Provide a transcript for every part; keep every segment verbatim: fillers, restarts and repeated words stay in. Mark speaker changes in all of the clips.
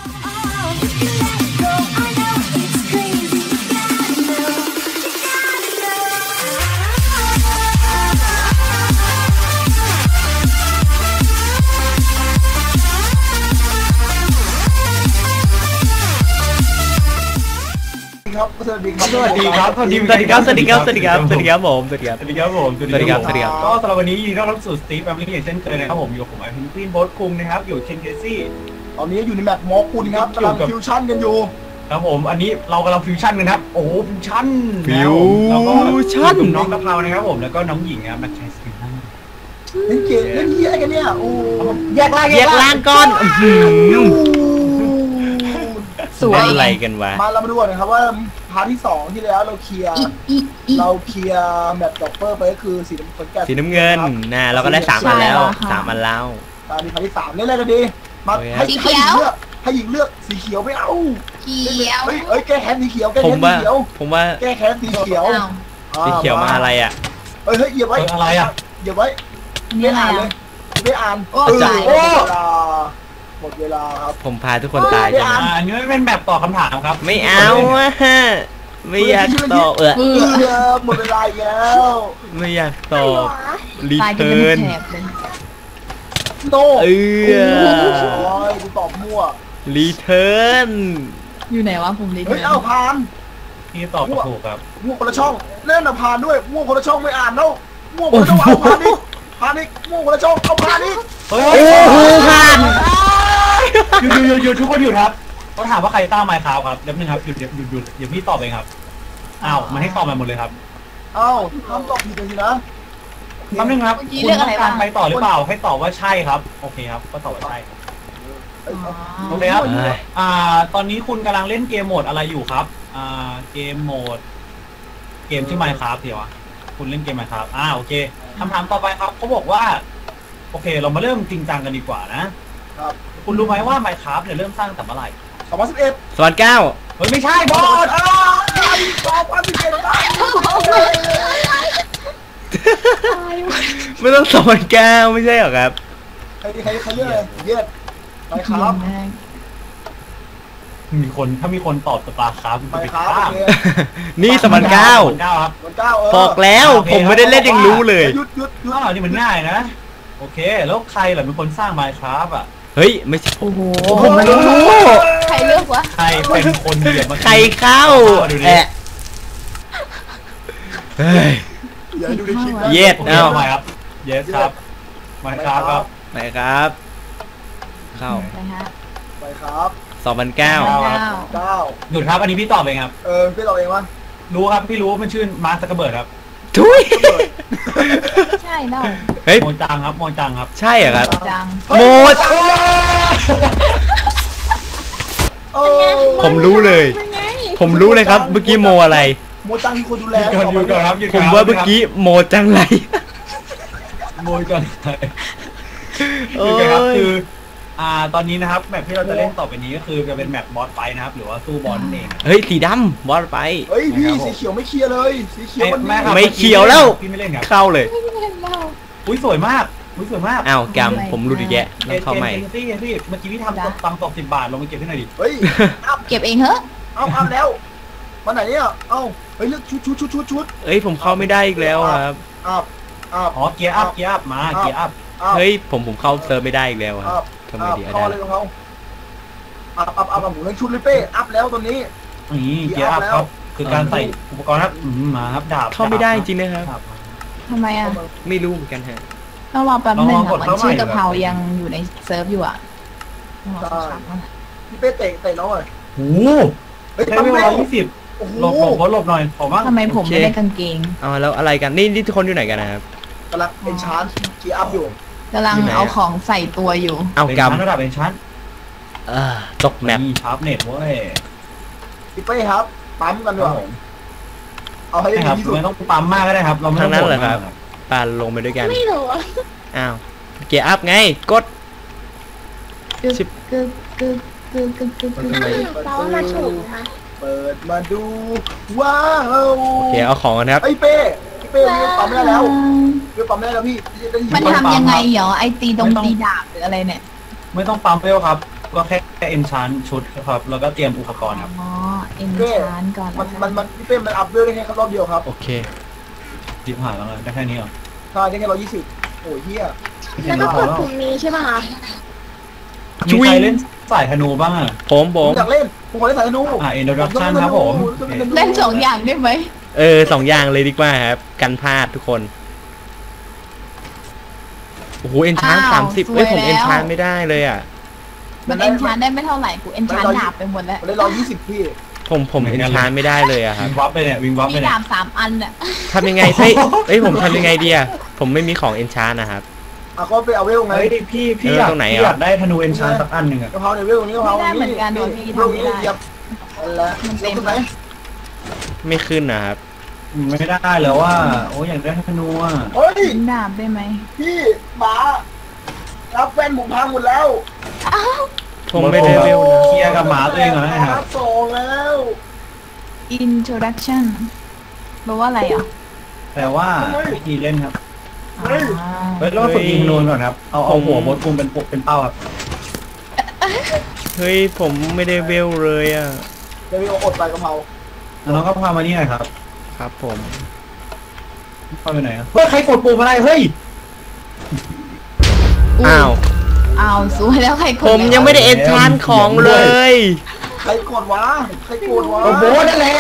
Speaker 1: สวัสดีครับสวัสดีครับสวัสดีครับสวัสดีครับสวัสดีครับสวัสดีครับผมสวัสดีครับสวัสดีครับผมสวัสดีครับสวัสดีครับก็สำหรับวันนี้ยินดีต้อนรับสู่สตีฟแฟมิลี่เช่นเคยนะครับผมอยู่กับผมไอพินพินโบ๊ทคุงนะครับอยู่เชนเคซี่ตอนนี้อยู่ในแมปมอคุณครับกำลังฟิวชั่นกันอยู่ครับผมอันนี้เรากำลังฟิวชั่นกันครับโอ้ฟิวชั่นฟิวชั่นน้องกะเพรานะครับผมแล้วก็น้องหญิงครับนักแคสติ้งเล่นเกมเล่นเฮียอะไรกันเนี่ยโอ้แยกล่างแยกล่างก้อนสวยอะไรกันวะมาเรามาดูก่อนนะครับว่าพาร์ทที่สองที่แล้วเราเคลียร์เราเคลียร์แมปด็อกเปอร์ไปก็คือสีน้ำเงินสีน้ำเงินนะเราก็ได้สามอันแล้วสามอันแล้วตอนนี้พาร์ทที่สามเล่นอะไรกันดีมาให้สีเขียวให้หญิงเลือกสีเขียวไม่เอาเขียวเฮ้ยเฮ้ยแก้แค้นสีเขียวแก้แค้นสีเขียวผมว่าแก้แค้นสีเขียวสีเขียวมาอะไรอ่ะเฮ้ยเฮ้ยเหยียบไว้อะไรอ่ะเหยียบไว้ไม่อ่านเลยไม่อ่านโอ้หมดเวลาครับผมพาทุกคนตายจังอันนี้เป็นแบบตอบคำถามครับไม่เอาอะไม่อยากตอบเออหมดเวลาแล้วไม่อยากตอบรีเทิร์นโนเออกูตอบมั่วรีเทิร์น
Speaker 2: อยู่ไหนวะผมรีเทิร์น
Speaker 1: เฮ้ยเอาพานพี่ตอบถูกครับมั่วคนละช่องเล่นอะพานด้วยมั่วคนละช่องไม่อ่านแล้วมั่วคนละช่องเอาพานนี่พานนี่มั่วคนละช่องเอาพานนี่โอ้โหพานหยุดหยุดหยุดทุกคนหยุดครับเขาถามว่าใครตั้งไมค์ครับครับเดี๋ยวนึงครับหยุดหยุดหยุดหยุดเดี๋ยวพี่ตอบเองครับอ้าวมันให้ตอบมาหมดเลยครับอ้าวคำตอบผิดเลยนะคำนึงครับคุณต้องการไปต่อหรือเปล่าให้ตอบว่าใช่ครับโอเคครับก็ตอบว่าใช่โอเคครับอ่าตอนนี้คุณกำลังเล่นเกมโหมดอะไรอยู่ครับอ่าเกมโหมดเกมชื่อไมค์ครับเดี๋ยวอ่ะคุณเล่นเกมไมค์ครับอ่าโอเคคำถามต่อไปครับเขาบอกว่าโอเคเรามาเริ่มจริงจังกันดีกว่านะครับคุณรู้ไหมว่า Minecraft เนี่ยเริ่มสร้างแต่เมื่อไหร่สองพันสิบเอ็ด สองพันเก้าเฮ้ยไม่ใช่บอสสองพันสิบเอ็ดไม่ต้องสองพันเก้าไม่ใช่หรอครับใครใครใครเลือกเลยเย็ด Minecraft มีคนถ้ามีคนตอบสตาร์คราฟต์ไปข้ามนี่สองพันเก้าบอกแล้วผมไม่ได้เล่นยังรู้เลยยุดยุดยุดนี่มันง่ายนะโอเคแล้วใครล่ะเป็นคนสร้าง Minecraft อ่ะเฮ้ยไม่ใช่โอ้โหผมไม่รู้
Speaker 2: ใครเลือกวะ
Speaker 1: ใครเป็นคนเหยียบมาใครเข้าแอะเฮ้ยเย็ดเอาใหม่ครับเย็ดครับ Minecraft ครับไหนครับเข้าไปครับสองพันเก้าเก้าหยุดครับอันนี้พี่ตอบเองครับเออพี่ตอบเองวะรู้ครับพี่รู้มันชื่อมาร์ค ซักเคอร์เบิร์กครับทุย
Speaker 2: ใช่เนาะ
Speaker 1: เฮ้ยโมจังครับโมจังครับใช่เหรอครับโมจังผมรู้เลยผมรู้เลยครับเมื่อกี้โมอะไรโมจังที่คนดูแลอยู่ก่อนครับผมว่าเมื่อกี้โมจังไรโมจังไรโอ้ยคืออ่าตอนนี้นะครับแมปที่เราจะเล่นต่อไปนี้ก็คือจะเป็นแมปบอสไฟนะครับหรือว่าสู้บอสนั่นเองเฮ้ยสีดำบอสไฟเฮ้ยพี่สีเขียวไม่เคลียร์เลยสีเขียวมันไม่เขียวแล้วพี่ไม่เล่นครับเข้าเลยอุ้ยสวยมากอุ้ยสวยมากอ้าวกำผมรู้ดีแยะต้องเข้าใหม่พี่พี่เมื่อกี้พี่ทำตังค์ตกสิบบาทลงมาเก็บให้หน่อยดิเฮ้ย
Speaker 2: เก็บเองเหรอ
Speaker 1: เอาเอาแล้วมาไหนเนี่ยเอ้าเฮ้ยเลือกชุดชุดชุดชุดชุดเฮ้ยผมเข้าไม่ได้อีกแล้วครับอัพอัพอ๋อเกียร์อัพเกียร์อัพมาเกียร์อัพเฮ้ยผมผมเข้าเซิร์ฟไม่ได้อีกแล้วครับทำไมดีอะไรของเขาอัพอัพอัพผมเล่นชุดเลยเป้อัพแล้วตอนนี้นี่เกียร์อัพครับคือการใส่อุปกรณ์ครับมาครับดาบเข้าไม่ได้จริงนะครับ
Speaker 2: ทำไมอ่ะ
Speaker 1: ไม่รู้เหมือนกันฮะ
Speaker 2: ต้องรอแป๊บนึงอ่ะมันชื่อกะเพรายังอยู่ในเซิร์ฟอยู่อ่ะ
Speaker 1: พี่เป้เตะเตะน้องเลยโอ้โหเฮ้ยตั้งเวลายี่สิบหลบหลบหลบหน่อยผมว่า
Speaker 2: ทำไมผมไม่ได้กางเกง
Speaker 1: อ๋อแล้วอะไรกันนี่นี่ทุกคนอยู่ไหนกันนะครับกำลังเป็นชาร์จเกียร์อัพอยู่
Speaker 2: กำลังเอาของใส่ตัวอยู่
Speaker 1: เอากำระดับเป็นชั้นตกแมปชาร์ปเน็ตเว้ยพี่เป้ครับปั๊มกันด้วยเอาให้ดีที่สุดไม่ต้องปั๊มมากก็ได้ครับเราไม่ต้องนั้นเลยครับปานลงไปด้วยกันไม่รู้อ้าวเกียร์อัพไงกด
Speaker 2: ชิบกึกกึกกึกกึกกึกกึกเรามาถูกนะ
Speaker 1: เปิดมาดูว้าวโอเคเอาของกันครับไอ้เป้เป้เรียกปั๊มได้แล้วเรียกปั๊มได้แล้วพี่
Speaker 2: มันทำยังไงเหรอไอตีตรงตีดาบหรืออะไรเนี่ย
Speaker 1: ไม่ต้องปั๊มเป้ครับ
Speaker 3: ก็แค่เอนชานชุดครับแล้วก็เตรียมอุปกรณ์ครับ
Speaker 2: อ๋อเอ็นชานก่อน
Speaker 1: มันมันมันพี่เป้มันอัพเวลได้แค่รอบเดียวครับ
Speaker 4: โอเค
Speaker 3: ดิบหายแล้วเลยได้แค่นี้เหรอ
Speaker 1: ใช่ได้แค่ร้อยยี่สิบโอ้ยเฮีย
Speaker 2: แล้วก็กดปุ่มนี้ใช่ป่ะคะ
Speaker 3: มีใครเล่นสายธนูบ้างอ่ะ
Speaker 4: ผมผ
Speaker 1: ผม มอยากเล่นผมขอเล่นสายธนู
Speaker 3: อ่าอินโดดักชันครับผม
Speaker 2: เล่นสองอย่างได้ไหม
Speaker 4: เออสองอย่างเลยดีกว่าครับกันพลาดทุกคนโอ้โหเอนชานสามสิบเอ้ยผมเอนชานไม่ได้เลยอ่ะ
Speaker 2: มันเอ็นชานได้ไม่เท่าไหร่กูเอ็นชานดาบไปหมดแล้ว
Speaker 1: ผมเล่นร้อยยี่สิบพี่
Speaker 4: ผมผมเอนชานไม่ได้เลยอะครั
Speaker 3: วิ
Speaker 4: บ
Speaker 3: งวับไปเนี่ยวิงวับไป
Speaker 2: มี
Speaker 3: เนี่ย
Speaker 2: ดาบสามอันน่ะ
Speaker 4: ทำยังไงเฮ้ยเอ้ยผมทำยังไงดีอะผมไม่มีของเอนชานนะครับ
Speaker 1: อ่ะก็ไปเอาเวลไง
Speaker 3: เฮ้ยพี่พี่
Speaker 4: เออ
Speaker 3: อยาก
Speaker 4: ตรงไหน
Speaker 3: พี่
Speaker 4: อ่ะ
Speaker 3: อยากได้ธนูเอนชานสักอันหนึ่งอ่ะ
Speaker 1: กะเพราในเวลนี้กะเพรานี้เวลนี้เหยียบแล้วมันเต็มไหม
Speaker 4: ไม่ขึ้นนะครับ
Speaker 3: ไม่ได้แล้วว่าโอ้ยอยากได้ธนูอ่ะ
Speaker 1: เฮ้ย
Speaker 2: ดาบได้ไหม
Speaker 1: พี่หมารับแฟนผมพังหมดแล้ว
Speaker 2: อ้าว
Speaker 4: ผมไม่ได้เวลนะ
Speaker 3: เคลียร์กับหมาตัวเองก่อนนะครับ
Speaker 1: สองแล้ว
Speaker 2: introduction แปลว่าอะไรอ่ะ
Speaker 3: แต่ว่าวิธีเล่นครับ
Speaker 2: อ่า
Speaker 3: เฮ้ยเราฝึกยิงธนูก่อนครับเอาเอาหัวมดคุมเป็นปกเป็นเป้าครับ
Speaker 4: เฮ้ยผมไม่ได้เวลเลยอะ
Speaker 1: เดี๋ยวมีอดไปกะเพรา
Speaker 3: แล้วเราก็พามานี่หน่อยครับ
Speaker 4: ครับผม
Speaker 3: พาไปไหนครับเฮ้ยใครกดปุ่มอะไรเฮ้ย
Speaker 4: อ้าว
Speaker 2: อ้าวสวยแล้วใครกด
Speaker 4: ผมยังไม่ได้เอนชานของเลย
Speaker 1: ใครกดวะใครกดวะ
Speaker 3: โอ้โหนั่นแหละ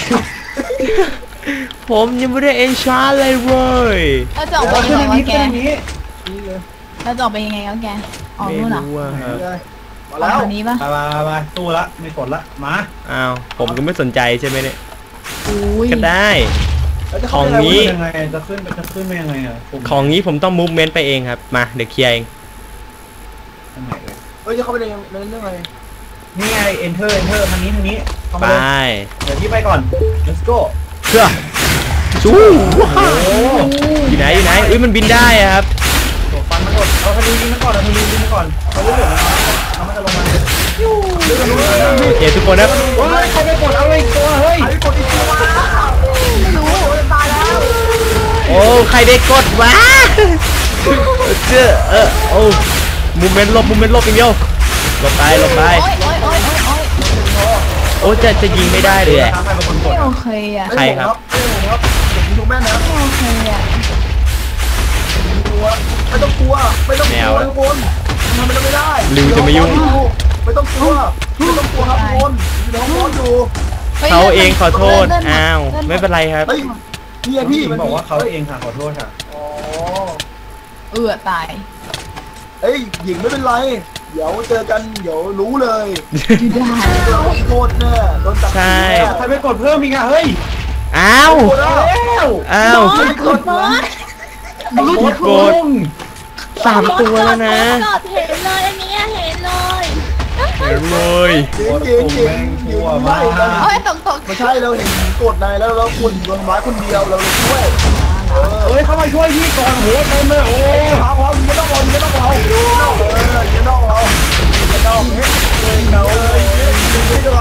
Speaker 4: ผมยังไม่ได้เอนชานเลยเว้ย
Speaker 2: แล้วจะออกไป
Speaker 3: ขึ้
Speaker 2: ยั
Speaker 3: น
Speaker 2: ง
Speaker 3: อ
Speaker 2: ไง
Speaker 3: ย่าง
Speaker 2: วะ
Speaker 3: นี้
Speaker 2: แก
Speaker 3: ขึ้นอย่างนี้
Speaker 1: นี่เลย
Speaker 2: แล้วจะออกไปยังไงวะแกออก
Speaker 4: ไม่
Speaker 2: นู่นเหรอ
Speaker 4: รู้อะครับ
Speaker 1: เลยมา
Speaker 2: ออ
Speaker 1: แล้
Speaker 2: ก
Speaker 1: ว
Speaker 2: ทางนี้ปะ
Speaker 3: ไปไปไปตู้ละไม่กดละมา
Speaker 4: อ้าวผมก็ไม่สนใจใช่ไหมเนี่ย
Speaker 2: อุ้ย
Speaker 4: ก็ได้
Speaker 1: แล้วจะ
Speaker 4: ของ
Speaker 1: เข้าไป
Speaker 4: นี้
Speaker 1: ไห
Speaker 3: ยังไงจะขึ้นจะขึ้นไปยังไงอ่ะปุ่ม
Speaker 4: ของนี้ผมต้องมูฟเมนต์ไปเองครับมาเดี๋ยวเคลียร์เอง
Speaker 3: ทางไหนเลย
Speaker 1: เฮ้ยจะเข้าไปในในเรื่องอะไร
Speaker 3: นี่ไง enter enter ทางนี้ทางนี้เข้า
Speaker 4: ไป
Speaker 3: มาเลยเดี๋ยวที่ไปก่อน let's go
Speaker 4: เพื่อสู้
Speaker 3: โอ้โห
Speaker 4: อยู่ไหนอยู่ไหนอุ้ยมันบินได้อะครับ
Speaker 3: ตัวฟันมันกดเอาธนูยิงมันก่อนเอาธนูยิงมันก่อนเอาเรื่องเอามันจะลงมาเรื่องธนูเรื่องธนู
Speaker 4: โอเคทุกคนครับ
Speaker 3: เฮ้ยใครไปกดเอาไอ้ตัวเฮ้ย
Speaker 1: ใครกดอีกตัวไม่รู้ตายแล้ว
Speaker 4: โอ้ใครได้กดวะเจ้อเออโอ้มูเมนต์ลบมูเมนต์ลบอย่างเดียวหลบไปหลบไป
Speaker 2: โอ๊ยโอ๊ยโอ๊ยโอ๊ยโอ๊ย
Speaker 4: โอ้จะจะยิงไม่ได้เลยอะ
Speaker 3: ใครเป็นคนก
Speaker 2: ไม่
Speaker 3: ด
Speaker 2: โอเคอ่ะ
Speaker 4: ใครครับ
Speaker 1: ไม่ผมครับผมดูแม่นะ
Speaker 2: ไม่โอเคอ่ะ
Speaker 1: กลัวไม่ต้องกลัวไม่ต้องกลัวทุกคนทำมันไม่ได้
Speaker 4: ลิวจะไม่ยุ่ง
Speaker 1: ไม่ต้องกลัวไม่ต้องกลัวครับทุกคนอยู่ในห้องนอนอยู่
Speaker 2: ฮ้ย
Speaker 4: เขาเองขอโทษ
Speaker 2: เลื่น
Speaker 4: อ้าว
Speaker 2: ลื่
Speaker 4: ไม่เป็นไรครับ
Speaker 1: เฮ้ยพี่อะพี่
Speaker 3: พี่
Speaker 1: มัน
Speaker 3: บอกว่าเขาเองค่ะขอโทษค่ะ
Speaker 1: อ๋อ
Speaker 2: เอือตาย
Speaker 1: เอ้ยหญิงไม่เป็นไร เดี๋ยวเจอกันเดี๋ยวรู้เลย
Speaker 2: อยู่ได้
Speaker 1: เราโทษแน่โดนตัด
Speaker 4: ใช่
Speaker 3: ใครไปกดเพิ่มอีกอ่ะเฮ้ย
Speaker 4: อ้าว
Speaker 1: โทษแล้ว
Speaker 4: อ้าว
Speaker 1: ไม่กดนะ
Speaker 3: กด
Speaker 4: กด สามตัวแล้วนะ
Speaker 5: กดเห็นเลยอันนี้เห็นเลย
Speaker 4: เห็นเลย
Speaker 1: จริงจริงจริงจริงไม่
Speaker 2: โอ้ยตกตก
Speaker 1: ไม่ใช่เราเห็นกดในแล้วเราคุณโดนไม้คนเดียวเราเลยช่วยเออ
Speaker 3: เฮ้ยเข้ามาช่วยพี่ก่อนโหเต็มเลยโอ้
Speaker 1: เอ้ยพาพร้อมยิงนอกเรายิงนอกเรายิงนอกเออยิงนอกเรายิงนอกเฮ้ยยิงนอกเลยยิงนอกเรา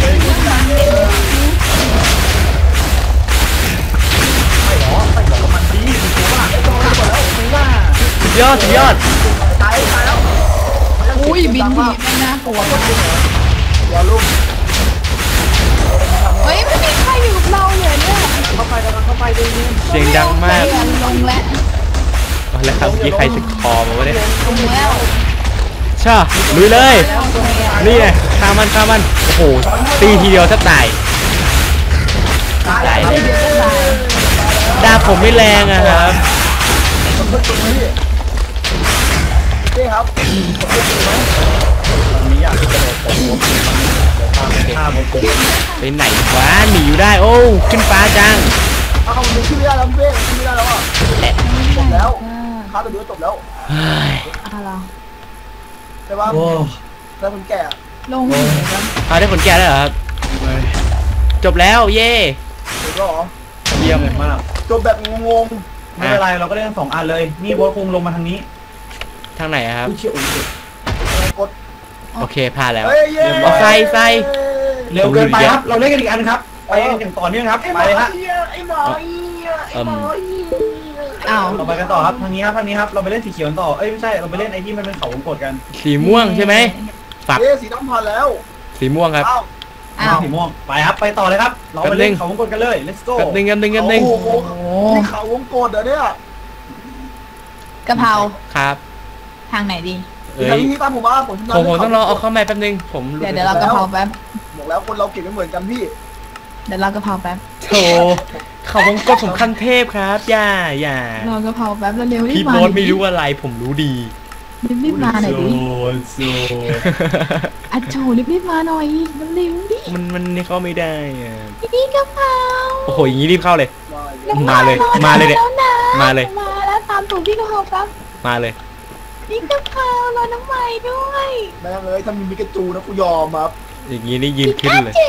Speaker 1: ไม่หรอไม่หรอมันดีถูกป่ะไอ้ตัวนี้หมดแล้วถูกป่ะ
Speaker 4: สุดยอดสุดยอด
Speaker 1: ตายตายแล้ว
Speaker 2: อุ้ยบินทีไม่น่ากลัวมาก
Speaker 1: อย่าลุ่ม
Speaker 2: เฮ้ยไม่มีใครอยู่กับเราเลยเนี่ย
Speaker 1: เข้าไปกันเข้าไปดีนี่
Speaker 4: เสียงดังมาก
Speaker 2: ลงแล้ว
Speaker 4: เอาแล้วครับเมื่อกี้ใครสคอมาวะเนี่ย
Speaker 2: ลงแล้ว
Speaker 4: ช่าลุยเลย
Speaker 2: แล้วโอเคอ่ะ
Speaker 4: นี่ไงฆ่ามันฆ่ามันโอ้โหตีทีเดียวแทบตายตาย
Speaker 2: เดี๋ยวจะตาย
Speaker 4: ดาบผมไม่แรงอะครับ
Speaker 1: นี่ครับ
Speaker 3: ตอนนี้อยากจะกระโดดตกหัวผมตามไปฆ่าผมผม
Speaker 4: ไปไหนวะหนีอยู่ได้โอ้ขึ้นฟ้าจัง
Speaker 1: เอาคำนึงชื่อไม่ได้แล้วเบ้ชื่อไม่ได้แล้วอ่ะจบแล้วค้าตัวเดียวจบแล้ว
Speaker 4: เฮ้ย
Speaker 2: อะไร
Speaker 1: ใช่ป่ะ
Speaker 3: โอ้
Speaker 1: แล้วคนแก่
Speaker 2: ลงอยู่แล้ว
Speaker 4: เอาได้ผลแก่แล้วเหรอครับ จบแล้วเย่
Speaker 1: จบแล้วเหรอ
Speaker 3: เยี่ยมมาก
Speaker 1: จบแบบงง
Speaker 3: ไม่เป็นไรเราก็เล่นสองอันเลยนี่โบอสคุงลงมาทางนี้
Speaker 4: ทางไหนอะครับ
Speaker 3: อุ้ยเชี่ยอุ้ย
Speaker 1: ๆกด
Speaker 4: โอเคพลาดแล้ว
Speaker 1: เฮ้ยเย้
Speaker 4: เอาใส่ใส่
Speaker 3: เร็วเกินไปครับเราเล่นกันอีกอันครับไปอย่างต่อเนื่องครับไปเลยฮะ
Speaker 1: ไอ้หมอไอ้หมอ
Speaker 2: อ้าว
Speaker 3: เราไปกันต่อครับทางนี้ครับทางนี้ครับเราไปเล่นสีเขียวกันต่อเอ้ยไม่ใช่เราไปเล่นไอ้ที่มันเป็นเขาวงกดกัน
Speaker 4: สีม่วงใช่ไหมสับ
Speaker 1: เอ๊ะสีดำผ่านแล้ว
Speaker 4: สีม่วงครับ
Speaker 1: อ้าว
Speaker 2: อ้าว
Speaker 3: สีม่วงไปครับไปต่อเลยครับเราไปเล่นเขาวงกตกันเลย let's go
Speaker 4: แป๊บนึงแป๊บนึงแป๊บนึง
Speaker 1: โอ้โห
Speaker 2: โอ้
Speaker 1: นี่เขาวงกดเหรอเนี่ย
Speaker 2: กะเพรา
Speaker 4: ครับ
Speaker 2: ทางไหนดี
Speaker 4: เอ้
Speaker 1: ทาง
Speaker 4: ย
Speaker 1: นี้ตามผมมาผม
Speaker 4: ผมผมต้องรอเอาเข้ามาแป๊บนึงผม
Speaker 2: เดี๋ยวเดี๋ยวเรากะเพราแป๊บ
Speaker 1: บอกแล้วคนเราเก่งไม่เหมือนกันพี่
Speaker 2: เดี๋ยวเรากะเพราแป๊บ
Speaker 4: โธ่เขาวงกตผมขั้นเทพครับอย่าอย่า
Speaker 2: เรากะเพราแป๊บเร็วๆรี
Speaker 4: พี่
Speaker 2: บมา
Speaker 4: โบ๊ทไม่รู้อะไรผมรู้ดี
Speaker 2: รีบรีบมาหน่อยดิ
Speaker 3: โซ
Speaker 2: อัดโจรีบรีบมาหน่อยเร็วๆดิ
Speaker 4: มันมันนี่เข้าไม่ได้อะ
Speaker 2: นี่กะเพรา
Speaker 4: โอ้โหอย่างนี้รีบเข้าเลย
Speaker 1: มา
Speaker 4: มาเลยมาเลยเนี่ย
Speaker 2: แล้วนะ
Speaker 4: มาเลย
Speaker 2: มาแล้วตามถูกพี่กะเพราแป๊บ
Speaker 4: มาเลย
Speaker 2: นี่กะเพรารอน้ำใหม่ด้วย
Speaker 1: แม่งเลยถ้ามีมิกาจูนะกูยอมครับ
Speaker 4: อย่างนี้นี่ยืนขึ้นเลย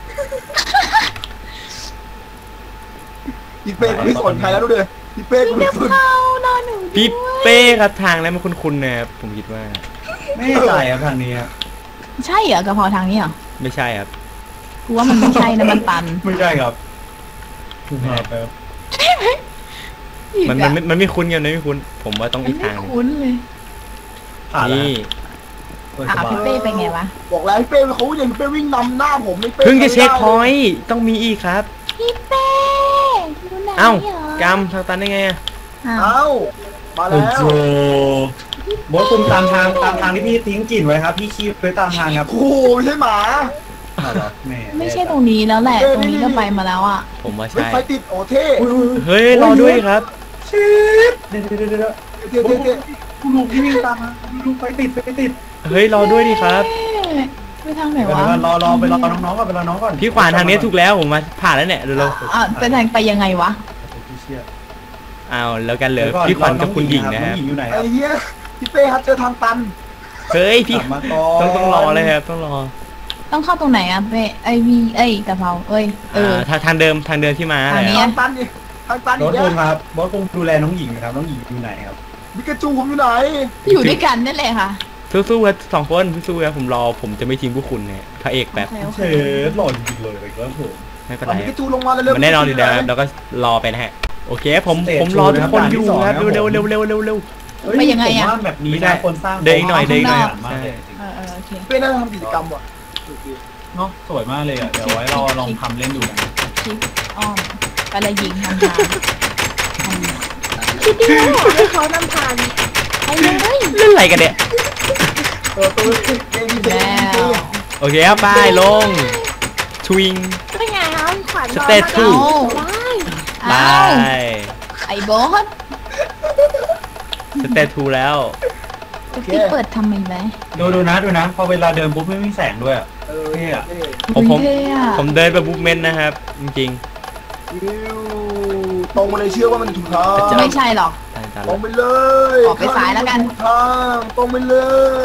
Speaker 1: พี่เป้กูไม่สนใครแล้วดูดิพี่เป้กู
Speaker 2: พี่
Speaker 1: ไม่
Speaker 2: กะ
Speaker 1: สน
Speaker 2: เพรารอหนูด้วย
Speaker 4: พี่เป้ครับทางแล้วมันคุ้นๆนะครับผมคิดว่า
Speaker 3: ไม่ใช่ครับทางนี้ครับ
Speaker 2: ใช่เหรอกะเพราทางนี้เหรอ
Speaker 4: ไม่ใช่ครับ
Speaker 2: กูว่ามันไม่ใช่นะมันตัน
Speaker 3: ไม่ใช่ครับถูกครับ
Speaker 4: มันมันไม่มันไม่คุ้นกันมันไม่คุ้น ผมว่าต้อง
Speaker 2: มัน
Speaker 4: อีก
Speaker 2: ไม่
Speaker 4: ทางหนึ่ง
Speaker 2: คุ้นเลย
Speaker 3: ผ่านแล้ว
Speaker 4: นี่
Speaker 2: อ่ะพี่เป้เป็นไงวะ
Speaker 1: บอกแล้วพี่เป้เขาอย่างพี่เป้วิ่งนำหน้าผมไม่เป้
Speaker 4: เพิ่งจะเช็คพอยต์ต้องมีอีกครับ
Speaker 2: พี่เป้อยู่ไหน
Speaker 4: เอ้า
Speaker 2: เหรอก
Speaker 4: ำทางตันได้ไงอะ
Speaker 2: อ้าว
Speaker 1: เอ้ามา
Speaker 3: โอ้
Speaker 1: แล้ว
Speaker 3: โหโบทคุมตามทางตามทางที่พี่ทิ้งกลิ่นไว้ครับพี่คีบไว้ตามทางครับ
Speaker 1: โอ้โหไม่ใช่หมา
Speaker 3: แม่
Speaker 2: ไม่ใช่ตรงนี้แล้วแหละ
Speaker 1: เอ้ย
Speaker 2: ตรงนี้ก็ไปมาแล้วอ่ะ
Speaker 4: ผมว่า
Speaker 1: เฮ้ย
Speaker 4: ใช่
Speaker 1: ไฟติดโอ้เท่
Speaker 4: เฮ้ยรอด้วยครับ
Speaker 3: ชิดเดี๋ยวเดี๋ยวเดี๋ยว
Speaker 1: เท่เท่เท่
Speaker 3: คุณลุงที่วิ่งตามมาลุงไปติดไปติด
Speaker 4: เฮ้ยรอด้วยดิครับ
Speaker 2: เอ๊ะไปทางไหน
Speaker 3: เดี๋ยว
Speaker 2: วะ
Speaker 3: รอรอไปรอน้องๆก่อนไปรอน้องก่อน
Speaker 4: พี่ขวานทางนี้ถูกแล้วผมมาผ่านแล้วเนี่ยเดี๋ยวเรา
Speaker 2: อ่ะไปทางไปยังไงวะ
Speaker 4: เอาแล้วกันเหลยพี่ขวัญกับคุณหญิงนะครับ
Speaker 3: น้องหญิงอยู่ไหนค
Speaker 1: ไอ้
Speaker 3: รับ
Speaker 1: เหี้ยพี่เป้ครับเจอทางตัน
Speaker 4: เฮ้ยพี่
Speaker 3: กลับมาก่อน
Speaker 4: ต้องต้องรอเลยครับต้องรอ
Speaker 2: ต้องเข้าตรงไหนอ่ะเป้ไอวีเอ้ยกะเพราเอ้ยเออ
Speaker 4: อ่าทางทางเดิมทางเดิมที่มา
Speaker 2: ทางนี้
Speaker 4: แหละ
Speaker 1: ทางตันดิทางตัน
Speaker 3: บ
Speaker 1: อี
Speaker 3: อก ส
Speaker 1: แล้
Speaker 3: คุ
Speaker 1: ว
Speaker 3: งครับบอสคงดูแลน้องหญิงนะครับน้องหญิงอยู่ไหนครับ
Speaker 1: มิกาจูผมอยู่ไหน
Speaker 2: อยู่ด้วยกันนั่นแหละค่ะ
Speaker 4: สู้ๆครับสองคนสู้ๆครับผมรอผมจะไม่ทิ้งพวกคุณเนี่ยพระเอกแบบ
Speaker 2: โอเคโอเค
Speaker 3: เชฟหล่นจริงเลยไปแล้วผม
Speaker 4: ไม่เป็น
Speaker 1: เอา
Speaker 4: ไร
Speaker 1: มิกาจูลงมาเร็วๆ
Speaker 4: มันแน่นอนอยู่แล้วครับเราก็รอไปนะฮะโอเคผมผมรอทุกคนอยู่ครับเร็วเร็วเร็วเร็วเร็วเร็ว
Speaker 2: ไปยังไงอะ
Speaker 3: ผมว่าแบบนี้นะคนสร้าง
Speaker 4: เดินอีกหน่อยเดินอีกหน่อย
Speaker 3: มากเลย
Speaker 2: เออเออโอเค
Speaker 1: เป้น่าจะทำกิจกรรมว่ะ
Speaker 3: เนาะสวยมากเลยอ่ะเดี๋ยวไว้รอลองทำเล่นดูนะ
Speaker 2: คลิปอ้อมไปเลยยิงทางทาง
Speaker 5: คิดดีว่าให้เขานำทาง
Speaker 2: ไปเลย
Speaker 4: เล่นอะไรกันเนี่ย
Speaker 1: เออตัวเป้ดีเป้
Speaker 2: แล้
Speaker 1: ดี
Speaker 2: ว
Speaker 4: โอเคครับไปลงทวิง
Speaker 5: เป็นไงครับขวัญ
Speaker 4: สเตตทู
Speaker 2: เอา
Speaker 4: ไป
Speaker 2: เอาไอ้โบอส
Speaker 4: สเตตทูแล้ว
Speaker 2: จะที่เปิดทำไมไหม
Speaker 3: ดูดูนะดูนะพอเวลาเดินปุ๊บไม่มีแสงด้วย
Speaker 1: เออ
Speaker 3: เท่อะ
Speaker 1: เท่
Speaker 4: ผมผม
Speaker 2: เท่อะ
Speaker 4: ผมเดินไปบุ๊กเมนนะครับ จริง
Speaker 1: อิ้วตรงมาเลยเชื่อว่ามันถูกทาง
Speaker 2: ไม่ใช่หรอก
Speaker 4: ๆตายตาย
Speaker 1: ตรงไปเลย
Speaker 2: ออกไปซ้ายแล้วกัน
Speaker 1: ถูทางตรงไปเลย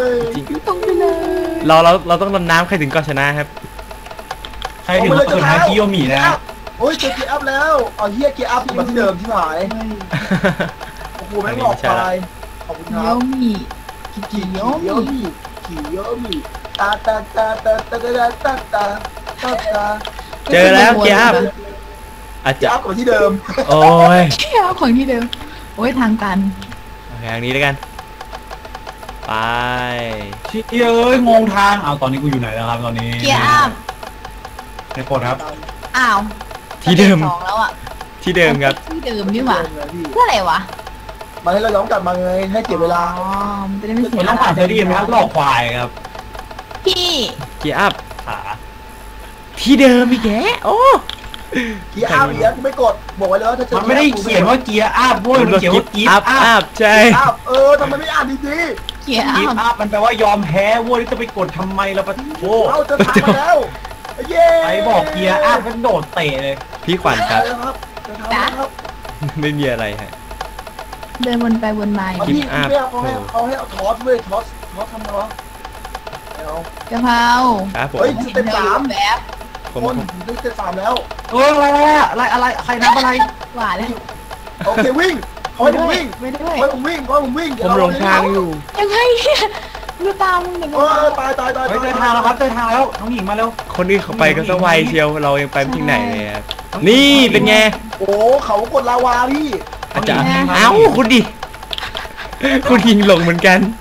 Speaker 4: จริง
Speaker 2: ตรงไปเลย
Speaker 4: เราเราเราต้องดำน้ำใครถึงก่อนชนะครับ
Speaker 3: ใครถึงสุดท้ายคิโยมินะ
Speaker 1: โอ้ยเจอเกียร์อัพแล้วเอาเฮียเกียร์อัพมาที่เดิมที่หายโอ้โหแม่งออกไปขอบคุณค
Speaker 2: เย
Speaker 1: รับ
Speaker 2: อะมีกิ
Speaker 1: ขี่
Speaker 2: เย
Speaker 1: เย
Speaker 2: อะ
Speaker 1: อะ
Speaker 2: มี
Speaker 1: มีขี่เยอะมีตาตาตาตาตาตาตาตาตาตา
Speaker 4: เจอแล้วเกียร์อัพอาจ
Speaker 1: เกีย
Speaker 4: จะ
Speaker 1: ร์อัพกลับมาที่เดิม
Speaker 4: โอ้ย
Speaker 2: เกียร์ของที่เดิมโอ้ยทางตัน
Speaker 4: โอเคทางนี้แล้วกัน ไป
Speaker 3: ชิเอ้ยงงทางเอาตอนนี้กูอยู่ไหนแล้วครับตอนนี้
Speaker 2: เกียร์อัพ
Speaker 3: ในกดครับ
Speaker 2: อ้าว
Speaker 4: ที่เดิม
Speaker 2: สองแล้วอ่ะ
Speaker 4: ที่เดิมครับ
Speaker 2: ที่เดิมนี่หว่า
Speaker 1: เดิมเลยพี่
Speaker 2: เพื่ออะไรวะ
Speaker 1: มาให้เราย้อนกลับมาไงให้เก็บเวลา
Speaker 2: อ๋อมันจะได้ไม่เสี
Speaker 3: มั
Speaker 2: ย
Speaker 3: นต้องผ่านเทอร์ดีไหมครับหลอกควายครับ
Speaker 2: พี่
Speaker 4: เกียร์อัพ
Speaker 3: ขา
Speaker 4: ที่เดิมอีกแกโอ้
Speaker 1: เกียร์อัพอีกแล้วกูไม่กดบอกไว้แล้วถ้าเจอ
Speaker 3: มันไม่ได้เขียนว่าเกียร์อัพโว้ยมันเขียนว่ากี
Speaker 4: อั
Speaker 3: อั
Speaker 4: พ
Speaker 3: พ
Speaker 4: อัพใช่
Speaker 1: เกียร์อัพเออทำไมไม่อ่านดี
Speaker 2: เกียร์อั
Speaker 3: กี
Speaker 2: พ
Speaker 3: อัพมันแปลว่ายอมแพ้โว้ยจะไปกดทำไมล่ะปะโว้
Speaker 1: ๆเอาเจะทางมาแล้วเย้
Speaker 3: ไอ้บอกเกียร์อัพมันโดดเตะเลย
Speaker 4: พี่ขวัญครับ
Speaker 1: เจอครับเจอทางแล้วครับ
Speaker 4: ไม่มีอะไรฮะ
Speaker 2: เดินวนไปวนมาอยู่
Speaker 1: เอาพี่พี่เป้เขาให้เขาให้เอาทอสเว้ยทอสทอสทำไงวะเอา
Speaker 2: กะเพรา
Speaker 4: ครับผม
Speaker 1: เฮ้ย
Speaker 2: เห็นเธออยู่แบบ
Speaker 4: ผม
Speaker 1: คนได้เจ็ดสามแล้ว
Speaker 3: เอออะไรอะอะไรอะไรใครนับอะไร
Speaker 2: หวานแล้ว
Speaker 1: โอเควิ่งเขาให้ผมวิ่ง
Speaker 2: ไม่ด้วย
Speaker 1: เขาให้ผมวิ่งเขาให้ผมวิ่ง
Speaker 4: ผมหลงทางอยู่
Speaker 2: ยังไงเนี่ยดูตามมึงเด็ก
Speaker 1: เออตายตายตาย
Speaker 3: เฮ้ยเจอทางแล้วครับเจอทางแล้วน้องหญิงมาเร็ว
Speaker 4: คนอื่นเขาไปกันสวายเชียวเรายังไปไม่ถึงไหนเลยครับนี่เป็นไง
Speaker 1: โอ้เขากดลาวาพี่
Speaker 4: อาจารย์เอ้าคุณดิ คุณยิงหลงเหมือนกัน
Speaker 3: น้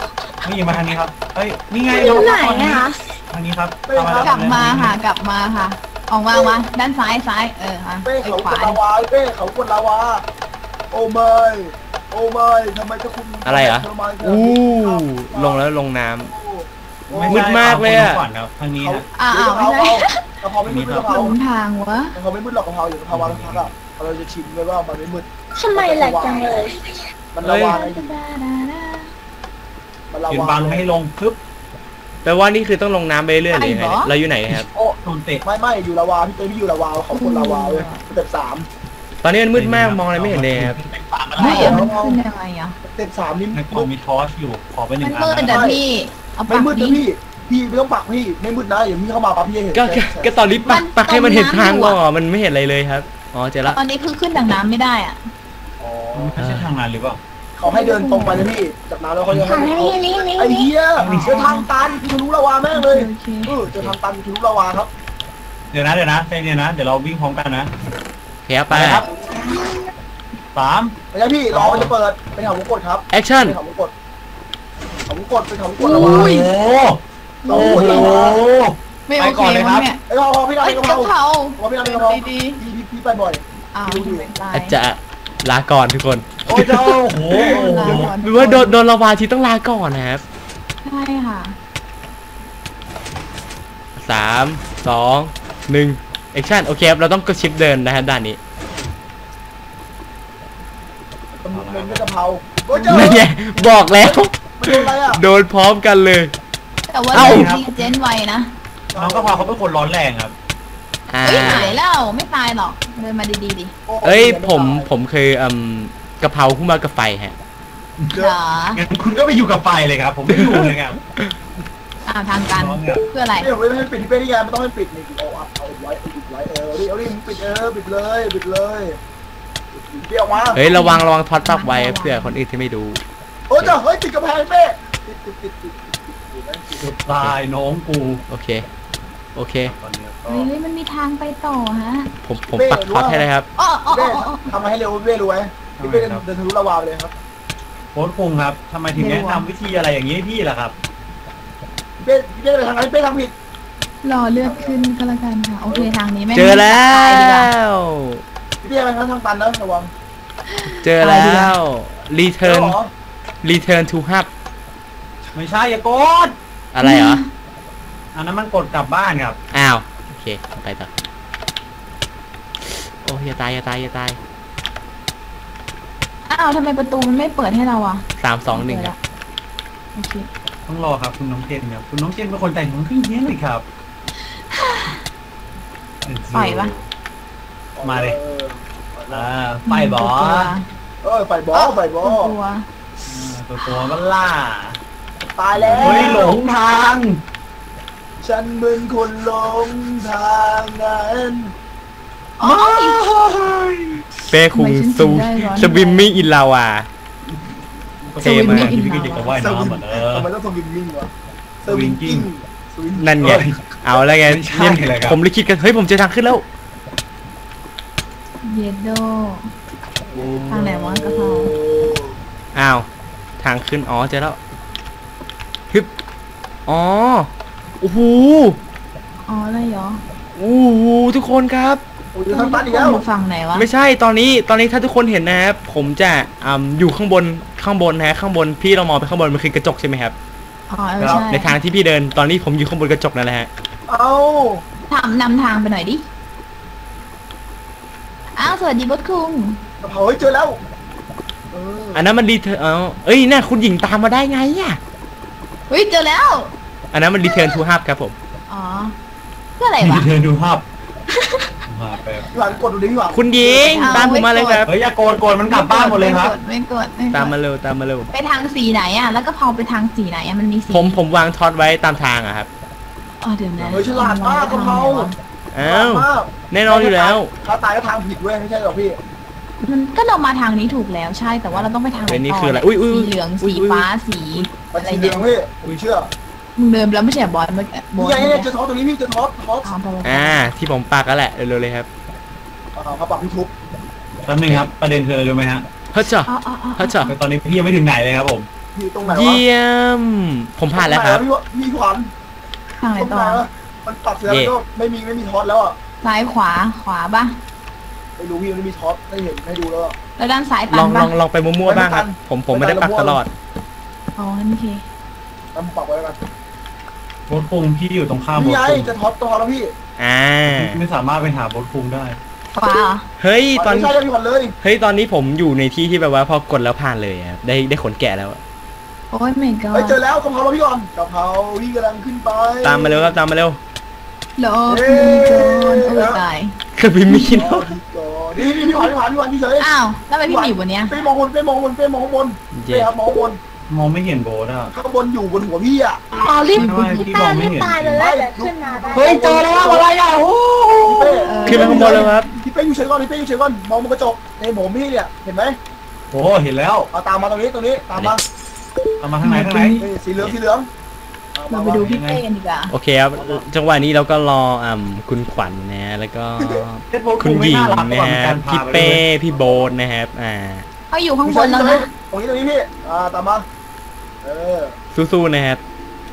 Speaker 3: นี่มาทางนี้ครับเฮ้ยนี่ไง
Speaker 5: อยู่ไหนอะคะ
Speaker 3: ทางนี้ครับ
Speaker 2: กลับมาค่ะกลับมาค่ะ ออกมามาด้านซ้ายซ้ายเออค่ะ
Speaker 1: เป้
Speaker 2: ไอ้
Speaker 1: เขา
Speaker 2: ข
Speaker 1: ก
Speaker 2: วา
Speaker 1: ดลาวาเป้เขากดลาวาโอ้ไม่โอ้ไม่ทำไมเจ้าคุณ
Speaker 4: อะไรเหรออู้ลงแล้วลงน้ำ มืดมากเลยอะ
Speaker 3: ก่อนครับทางนี้
Speaker 1: เขา
Speaker 3: นะ
Speaker 2: อ้าวอ้าวไม่ใช่
Speaker 1: กะเพราไม่มืดกะเพ
Speaker 2: ห
Speaker 1: รา
Speaker 2: ลงทางวะ
Speaker 1: กะเพราไม่มืดหรอกกะเพราอยู่กะเพราวางพักอ่ะเราจะชิมเลยว่ามันไม่มืด
Speaker 5: ทำไมแหลกจังเลย
Speaker 1: มันลาวาไงมันลา
Speaker 3: ยืน
Speaker 1: วา
Speaker 3: บังไม่ให้ลงปึ๊บ
Speaker 4: แปลว่านี่คือต้องลงน้ำไปเรื่อยๆเลยครับเราอยู่ไหนครับ
Speaker 1: โอ้
Speaker 3: โดนเตะ
Speaker 1: ไม่ไม่อยู่ลาวาพี่เต้พี่อยู่ลาวาเขากดลาวาเลยสเต็ปสาม
Speaker 4: ตอนนี้มันมืดมากมองอะไรไม่เห็นเลยครับ
Speaker 2: ไหนอะมันขึ้นยังไงอะ
Speaker 1: สเต็ปสามนี่
Speaker 3: ในกล่องมีทอร์ชอยู่ขอไปหนึ่
Speaker 2: มัน
Speaker 3: งอัน
Speaker 2: มืด
Speaker 3: นะ
Speaker 2: แต่พี่เอา
Speaker 1: ไม่
Speaker 2: ปาก
Speaker 1: มืด
Speaker 2: ดิ
Speaker 1: นะพี่พี่ไม่ต้องปักพี่ไม่มืดนะอย่าพี่เข้ามาปั๊บพี่เห็น
Speaker 4: ก็ก็ก็ตอนนี้ปักปักให้มันเห็นทางก่อนมันไม่เห็นอะไรเลยครับอ๋อเจอละ
Speaker 2: ตอนนี้คือขึ้นจากน้ำไม่ได้อ่ะ
Speaker 1: อ๋อ
Speaker 3: ไม่ใช่ทางนั้นหรือเปล่า
Speaker 1: เขาให้เดินตรงไปเลยพี่จากนั้นแล้วเขาจะ
Speaker 5: ทาง
Speaker 1: ให้
Speaker 5: นี้นี่นี่
Speaker 1: ไอ้
Speaker 5: นี่
Speaker 1: เหี้ยเจอทางตันพี่ทะลุลาวาแม่งเลย
Speaker 2: โอเค
Speaker 1: เออเจอทางตันพี่ทะลุลาวาครับ
Speaker 3: เดี๋ยวนะเดี๋ยวนะใจเย็นนะเดี๋ยวเราวิ่งพร้อมกันนะ
Speaker 4: โอเคครับไป
Speaker 3: ครับสาม
Speaker 1: ไม่ใช่พี่รอมันจะเปิดเป็นเขาวงกดครับ
Speaker 4: แอคชั่น
Speaker 1: เป็นเขาวงกดเขาวงกดเป็นเขาวงกด
Speaker 3: โอ้
Speaker 1: ลาวา
Speaker 3: โห
Speaker 1: เรา
Speaker 3: โอ้
Speaker 1: วงกดลาวา
Speaker 3: โห
Speaker 2: ไม่โอ
Speaker 3: ไป
Speaker 2: เค
Speaker 3: ก่อนเลยครับ
Speaker 2: เนี่ย
Speaker 1: ไอ้กะเพราพี่ดาว
Speaker 2: เอ้ย
Speaker 1: กะ
Speaker 2: กะ
Speaker 1: เพรา
Speaker 2: เพรา
Speaker 1: ว่าพี่ดาวกะเพรา
Speaker 2: ดี
Speaker 1: พี่พี่พี่ไปบ่อย
Speaker 2: ๆอ้าวไม่ตาย
Speaker 4: อาจจะลาก่อนทุกคน
Speaker 3: โอ้เจ้าโอ้โห
Speaker 4: หรือว่าโดนโดนลาวาทีต้องลาก่อนนะครับ
Speaker 2: ใช่ค่ะ
Speaker 4: สามสองหนึ่งแอคชั่นโอเคครับเราต้องกดชิปเดินนะฮะด้านนี้
Speaker 1: มันมันเป็นกะเพราโอ้ยเจอ
Speaker 4: นั่นไงบอกแล้ว
Speaker 1: มันโดนอะไรอ่ะ
Speaker 4: โดนพร้อมกันเลย
Speaker 2: แต่ว่า
Speaker 4: เอ้า
Speaker 2: เดินดีเจนไวนะ
Speaker 3: น้องกะเพราเขาเป็นคนร้อนแรงครับ
Speaker 4: อ่า
Speaker 2: เฮ้ยหายแล้วไม่ตายหรอกเดินมาดีๆดิ
Speaker 4: เอ้ยผมผมเคยอืมกะเพราขึ้นมากับไฟฮะ
Speaker 2: เหรอ
Speaker 3: งั้นคุณก็ไปอยู่กับไฟเลยครับ ผมไม่อยู่เลยครับ
Speaker 2: อ้าวทางการเพื่ออะไร
Speaker 1: ไม่ไม่ให้ปิดที่เป็นที่ไงมันต้องให้ปิดนี่เอาเอาเอาไว้เอาปิดไว้เออเอาดิเอาดิปิดเออปิดเลยปิดเลยเปี้ยวมา
Speaker 4: เฮ้ยระวังระวังท็อตปักไว้เพื่อคนอื่นที่ไม่ดู
Speaker 1: โอ้ยเจ้าเฮ้ยติดกระแพงเป้ติดติดติดติดติดติด
Speaker 3: ตายน้องกู
Speaker 4: โอเคโอเค
Speaker 3: ตอนนี้ก็
Speaker 2: เฮ้ยเฮ้ยมันมีทางไปต่อฮะ
Speaker 4: ผมผมปักท็อตให้เลยครับ
Speaker 2: อ๋ออ๋อ
Speaker 1: เป้
Speaker 2: อ๋ออ๋อ
Speaker 1: ทำมาให้เร็วเป้รู้ไหมพี่เป้เดินทะลุระวาไปเลยครับ
Speaker 3: โค้ชคุงครับทำไมถึงแนะนำวิธีอะไรอย่างนี้ให้พี่ล่ะครับ
Speaker 1: เป้เป้ไปทางไหนเป้ทำผิด
Speaker 2: รอเลือดขึ้นก็แล้วกันค่ะโอเคทางนี้ไม่
Speaker 4: เจอแล้
Speaker 2: ตายดีกา
Speaker 4: ว
Speaker 1: พี่เป้ไปทางทางตันนะระวัง
Speaker 4: เจอแล้ว
Speaker 1: เจอ
Speaker 4: return
Speaker 1: เหรอ
Speaker 4: return to hub
Speaker 3: ไม่ใช่อย่ากด
Speaker 4: อะไรเหรอ
Speaker 3: อันนั้นมันกดกลับบ้านครับ
Speaker 4: อ้าวโอเคไปต่อโอ้ยอย่าตายอย่าตายอย่าตาย
Speaker 2: อ้าวทำไมประตูมันไม่เปิดให้เราอ่ะ
Speaker 4: สามสองหนึ่งครับ
Speaker 2: โอเค
Speaker 3: ต้องรอครับคุณน้องเจนครับคุณน้องเจนเป็นคนแต่งของพี่เนี้ยเลยครับ
Speaker 2: ปล่อยปะ
Speaker 3: มาเลย
Speaker 1: ออ
Speaker 3: อ่าไฟบอส
Speaker 1: เออไฟบอลไฟบอล
Speaker 2: ตัว
Speaker 3: ตัวตัวก็ล่า
Speaker 1: ตายแล้ว
Speaker 3: เฮ้ยหลงทาง
Speaker 1: ฉันเป็นคนหลงทางนั้น
Speaker 2: อ๋ออีก
Speaker 4: เป้คุง
Speaker 2: ทำไมฉัน
Speaker 4: ซู
Speaker 2: ถึงได้ร้อน
Speaker 4: สวิมมิ่งอินลาวา เท่มาก
Speaker 3: ที่พี่ก็อยากจะว่ายน้ำเหมือนเออ
Speaker 1: ทำไมต้องสวิงมิ่งวะ
Speaker 3: สวิงกิ้ง
Speaker 1: สวิง
Speaker 4: นั่นไง
Speaker 3: เฮ้ย
Speaker 4: เอาแล้วไง
Speaker 3: ไม่ใช่
Speaker 4: เนี่ย
Speaker 3: เลยครับ
Speaker 4: ผมเลยคิดกัน เฮ้ย ผมเจอทางขึ้นแล้ว
Speaker 2: เยดโดทางไหนวะกะเพรา
Speaker 4: อ้าว ทางขึ้น อ๋อ เจอแล้วฮึบอ๋อ โอ้โห
Speaker 2: อ๋ออะไรเหรอ
Speaker 4: โอ้โห ทุกคนครับ
Speaker 1: โอ้ยทางตันอีกแล้ว
Speaker 2: อยู่ฝั่งไหนวะ
Speaker 4: ไม่ใช่ ตอนนี้ ตอนนี้ถ้าทุกคนเห็นนะครับ ผมจะอ่าอยู่ข้างบน ข้างบนนะฮะข้างบน พี่เรามองไปข้างบน มันคือกระจกใช่ไหมครับ
Speaker 2: อ๋อเออใช่
Speaker 4: ในทางที่พี่เดิน ตอนนี้ผมอยู่ข้างบนกระจกนั่นแหละฮะ
Speaker 1: เอ้า
Speaker 2: ทำนำทางไปหน่อยดิ อ้าวสวัสดีบดคุง
Speaker 1: กระเพราเฮ้ยเจอแล้วเออ
Speaker 4: อันนั้นมันรีเทิร์นเอาเอ้ยน่าคุณหญิงตามมาได้ไงอ่ะ
Speaker 2: เฮ้ยเจอแล้ว
Speaker 4: อันนั้นมันรีเทิร์นทูฮับครับผม
Speaker 2: อ๋อ เพื่ออะไรวะ
Speaker 3: เดินดูภาพภาพไป
Speaker 1: พี่หวานกดดูดิพี่หวาน
Speaker 4: คุณหญิง
Speaker 2: เอา
Speaker 4: ตามผมมาเลยครับ
Speaker 3: เฮ้ยอย่าโกนโกนมันกลับบ้านหมดเลยครับ
Speaker 2: ไม่กดไม่กด
Speaker 4: ตามมาเร็วตามมาเร็ว
Speaker 2: ไปทางสีไหนอ่ะ แล้วก็พอไปทางสีไหนอ่ะ มันมีสี
Speaker 4: ผมผมวางท็อตไว้ตามทางอะครับ
Speaker 2: อ๋อเดี๋ยวนะ
Speaker 1: เฮ้ยฉลาดมากกระเพรา
Speaker 4: อ้าว
Speaker 1: ฉลดมาก
Speaker 4: แน่นอนอยู่แล้ว
Speaker 1: ถ้าตายก็ทางผิดเว้ยไม่ใช่หรอกพี่
Speaker 2: มันก็เรามาทางนี้ถูกแล้วใช่ แต่ว่าเราต้องไปทางไหน
Speaker 4: เฮ้ยนี่
Speaker 2: ต่
Speaker 4: คืออะไรอุ้ยอุ้ย
Speaker 2: สีเหลือง
Speaker 4: อุ้ย
Speaker 2: สี
Speaker 4: อุ้ย
Speaker 2: ฟ้า สี
Speaker 1: มัน
Speaker 2: อะไร
Speaker 1: สีเหลื
Speaker 2: เนี่
Speaker 1: อย งพี่ผมเชื่อ
Speaker 2: มึงเดินแล้วไม่ใช่บอลเมื่อกี้บอ
Speaker 1: นี่
Speaker 2: ล
Speaker 1: ไง
Speaker 2: เมื่อ
Speaker 1: เนี่ย
Speaker 2: กี้
Speaker 1: เจอท็อปตรงนี้พี่เจอท็อปท็อป
Speaker 2: อ๋อไปไปไป
Speaker 4: อ่า ที่ผมปักแล้วแหละเร็วๆเลยครับ
Speaker 1: อ่าเขาปักพี่ทุบ
Speaker 3: แป๊บนึงครับประเด็นคืออะไรรู้ไหมฮะ
Speaker 4: เฮ้ยจ้ะ
Speaker 2: อ๋ออ๋ออ๋อ
Speaker 4: เฮ้ยจ้ะ
Speaker 3: ตอนนี้พี่ยังไม่ถึงไหนเลยครับผม
Speaker 1: อยู่ตรงไหนวะ
Speaker 4: เยี่ยมผมผ่านแล้วครับ
Speaker 1: ตงไหะพี่ขวัญ
Speaker 2: ทางไหน
Speaker 1: ตรง
Speaker 2: ต่
Speaker 1: ไหน
Speaker 2: อ
Speaker 1: วะมันตัดเสร็จแล้วก็ไม่มีไม่มีท็อตแล้วอ่ะ
Speaker 2: ซ้ายขวาขวาปะ
Speaker 1: ไม่รู้พี่มันไม่มีท็อตได้เห็นให้ดูแล้วอะ
Speaker 2: แล้วด้านซ้าย
Speaker 4: ล
Speaker 2: ตั
Speaker 4: อน งล
Speaker 2: ปะ
Speaker 4: องลองไปมั่วๆบ้างครับ
Speaker 1: ไม่ตัน
Speaker 4: ผมผมไม่ได้ปักตลอด
Speaker 2: อ๋อนั่นโอเค
Speaker 1: แล้วผมปรับไว้แล้วกัน
Speaker 3: โบทคุงพี่อยู่ตรงข้ามโบ
Speaker 1: นี่
Speaker 3: ท
Speaker 1: ไง
Speaker 3: คุง
Speaker 1: จะท็อตตัวแล้วพี่
Speaker 4: อ่า
Speaker 3: ไม่สามารถไปหาโบทคุงได้
Speaker 2: ขวาเหรอ
Speaker 4: เฮ้ยตอน
Speaker 1: ไม่ใช่ได้พี่ขวัญเลย
Speaker 4: เฮ้ยตอนนี้ผมอยู่ในที่ที่แบบว่าพอกดแล้วผ่านเลยครับได้ได้ขนแกะแล้ว
Speaker 2: โอ้ยไม่ก็
Speaker 1: เฮ้ยเจอแล้วกะเพราเราพี่ก่อนกะเพราพี่กำลังขึ้นไป
Speaker 4: ตามมาเร็วครับตามมาเร็ว
Speaker 2: รอพี่ก่อนโอ้ยตาย
Speaker 4: คือพี่มีน
Speaker 1: รอพี่ก่อนนี่นี่พี่ขวัญพี่ขวัญพี่ขวัญพี่เฉย
Speaker 2: อ้าวแล้วทำไมพี่หนีอยู่บนเนี้ย
Speaker 1: เป้มองบนเป้มองบนเป้มองบนเป้ครับมองบน
Speaker 3: มองไม่เห็นโบทอ่ะ
Speaker 1: ข้างบนอยู่บนหัวพี่อ่ะ
Speaker 5: อ๋อรีบ
Speaker 3: ไม่ไม่พี่มองไม่เห็น
Speaker 5: ตายเลยแล้วเดี๋ยวขึ้นมาได้
Speaker 1: เฮ้ยเจอแล้วอะไรอ่ะโอ้พี่เป้
Speaker 4: ขึ้นมาข้างบนแล้วครับ
Speaker 1: พี่เป้อยู่เฉยก่อนพี่เป้อยู่เฉยก่อนมองบนกระจกในผมพี่เนี่ยเห็นไหม
Speaker 3: โอ้เห็นแล้ว
Speaker 1: เอาตามมาตรงนี้ตรงนี้ตามมา
Speaker 3: เอามาทางไหนทางไหน
Speaker 1: นี่สีเหลืองสีเหลือง
Speaker 2: เราไปดูพี่เป้กันดีกว่า
Speaker 4: โอเคครับจังหวะนี้เราก็รออ่าคุณขวัญนะแล้วก็
Speaker 3: เพชรโบท
Speaker 4: คุ
Speaker 3: คุ
Speaker 4: ณ
Speaker 3: ง
Speaker 4: ห
Speaker 3: ไม่
Speaker 4: ญิง
Speaker 3: น่ารักก
Speaker 4: นะ
Speaker 3: ว่า
Speaker 4: ฮะ
Speaker 3: การพา
Speaker 4: พี่
Speaker 3: ไป
Speaker 4: เป้
Speaker 3: ด้วย
Speaker 4: พี่โบนนะครับอ่า
Speaker 2: เขาอยู่ข้างบนแล้วนะ
Speaker 1: ตรงนี้ตรงนี้พี่อ่าตามมาเออ
Speaker 4: สู้ๆนะครับ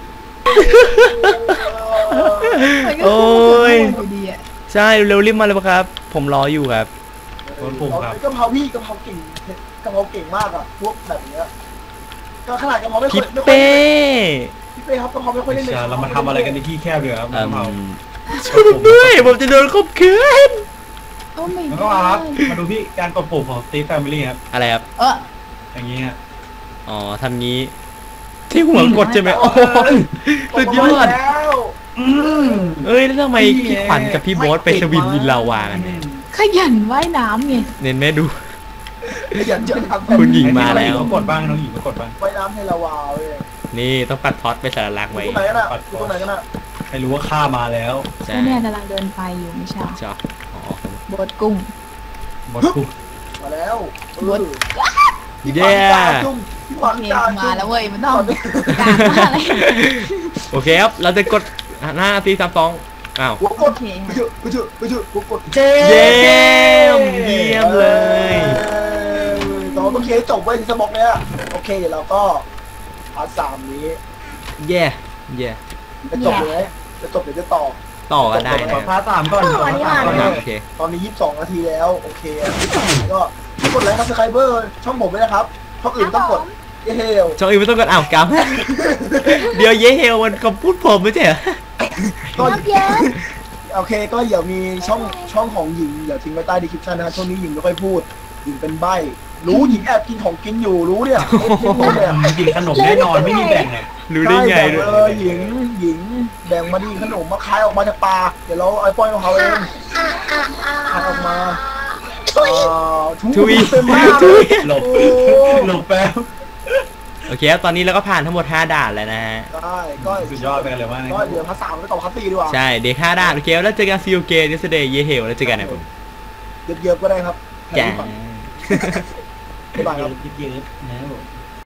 Speaker 2: มันก็
Speaker 4: โอ้ย
Speaker 2: อยู่ดีอะ
Speaker 4: ใช่เร็วๆรีบมาเลยครับ ผมรออยู่ครับ
Speaker 3: โบทคุงครับ
Speaker 1: กะเพราพี่กะเพราเก่งกะเพราเก่งมากอ่ะพวกแบบเนี้ยก็ขนาดกะเพราไม่ค่
Speaker 4: พี่
Speaker 1: อยไม่ค่อย
Speaker 4: เป้
Speaker 1: พี่เป้ครับกะเพราไม่ค่อยเล่นเลย
Speaker 3: เรามาทำอะไรกันในที่แคบเลยครับ
Speaker 4: อืม
Speaker 3: เรา
Speaker 4: ช่วยผมด้วยผมจะโดนข่มขืน
Speaker 2: โอ้ไม่
Speaker 3: แล้วก็มาครับมาดูพี่การกดปุ่มของ Steve Family ครับ
Speaker 4: อะไรครับ
Speaker 2: เออ
Speaker 3: อย่างนี้ฮะ
Speaker 4: อ๋อทำงี้ ที่หัวกดใช่ไหมโอ้โหสุดยอด
Speaker 1: แล้ว
Speaker 3: อืม
Speaker 4: เอ้ยแล้วทำไมพี่ขวัญกับพี่โบ๊ทไปสวิมวินลาวากันเนี่ย
Speaker 2: ขยันว่ายน้ำไง
Speaker 4: เน้นแม่ดู
Speaker 1: อย่าเจอทำ
Speaker 4: คุณหญิงมาแล้ว
Speaker 3: น้องกดบ้างน้องหญิงก็กดบ้าง
Speaker 1: ไว้น้ำให้ละวาเว้ย
Speaker 4: นี่ต้องปัดท็อตไปสารลักษณ์
Speaker 1: อยู่
Speaker 4: ไว้
Speaker 1: ตรงไหนกันอ่ะอยู่ตรงไหนกันอ่ะ
Speaker 3: ให้รู้ว่าข้ามาแล้ว
Speaker 4: ใช่
Speaker 2: ก็เนี่ยกำลังเดินไปอยู่ไม่ใช่
Speaker 4: ชอบอ๋อ
Speaker 2: โบดกุ้ง
Speaker 3: หมดคุง
Speaker 1: มาแล้ว
Speaker 2: รถ
Speaker 4: เย้
Speaker 1: จุ่มพี่ขวัญ
Speaker 2: เพลง
Speaker 1: จ่าจุ่
Speaker 2: มาแล้วเว้ยมันต้องการมาอะไร
Speaker 4: โอเคครับเราจะกดหน้าสี่สามสองอ้าว
Speaker 1: หัวก
Speaker 2: โอ
Speaker 1: ด
Speaker 2: เค
Speaker 1: ไปเถอะไปเถอะไปเถอะหัวกด
Speaker 3: เจ๊
Speaker 4: เยี่ยมเยี่ยมเลย
Speaker 1: เราต้องเคลียร์ให้จบไว้ที่สมองเนี่ยโอเคเดี๋ยวเราก็พาร์ทสามนี้
Speaker 4: เย่เย่
Speaker 1: จะจบเลยจะจบเดี๋ยวจะต่อ
Speaker 4: ต่อกันได้
Speaker 3: ข
Speaker 4: นะ
Speaker 3: อพาร์ทสามก่อนขอพาร์ทสามก่อน
Speaker 4: โอเค
Speaker 1: ตอนนี้ยี่สิบสองนาทีแล้วโอเคก็กดไลค์ครับสไครเบอร์ช่องผมด้วยนะครับช่องอื่นต้องกดเฮล
Speaker 4: ช่องอื่นไม่ต้องกดอ้าวกำเดี๋ยวเย่เฮลมันคำพูดผมไม่ใช่เหรอ
Speaker 1: ก็
Speaker 5: รับเยอะ
Speaker 1: โอเคก็เดี๋ยวมีช่องช่องของหญิงเดี๋ยวทิ้งไว้ใต้ดีคริปชั่นนะครับช่วงนี้หญิงไม่ค่อยพูดหญิงเป็นใบ้รู้หญิงแอบกินของกินอยู่รู้เนี่ยรู้เนี่ย
Speaker 3: กินขนมแน่นอนไม่มีแบ่งเลย
Speaker 4: รู้ได้ไง
Speaker 1: ใช่แบ่
Speaker 4: ด้วย
Speaker 1: เลยหญิงหญิงแบ่งมาดีขนมมาคายออกมาจากปลาเดี๋ยวเราเอาปล่อยของเขาเอง
Speaker 5: อ่ะอ่ะอ่ะ
Speaker 1: คายออกมาอ่า
Speaker 4: ทุย
Speaker 1: เต็มมาก
Speaker 4: ทุย
Speaker 3: หลบ
Speaker 1: โอ้
Speaker 3: หลบแป๊บ
Speaker 4: โอเคครับตอนนี้เราก็ผ่านทั้งหมดห้าด่านแล้วนะฮะ
Speaker 1: ได้ก็
Speaker 3: สุดยอดไปกันเลยว่า
Speaker 1: ก็เดี๋ยวภาษาไปต่อภาษาตีดีกว่า
Speaker 4: ใช่เด็กห้าด่านโอเคแล้วเจอกันซีโอเกนเสเดย์เย่เฮลแล้วเจอกันนะผม
Speaker 1: เยอะๆก็ได้ครับ
Speaker 4: จ้า
Speaker 1: บ๊ายบายครับ
Speaker 3: เยอะๆนะ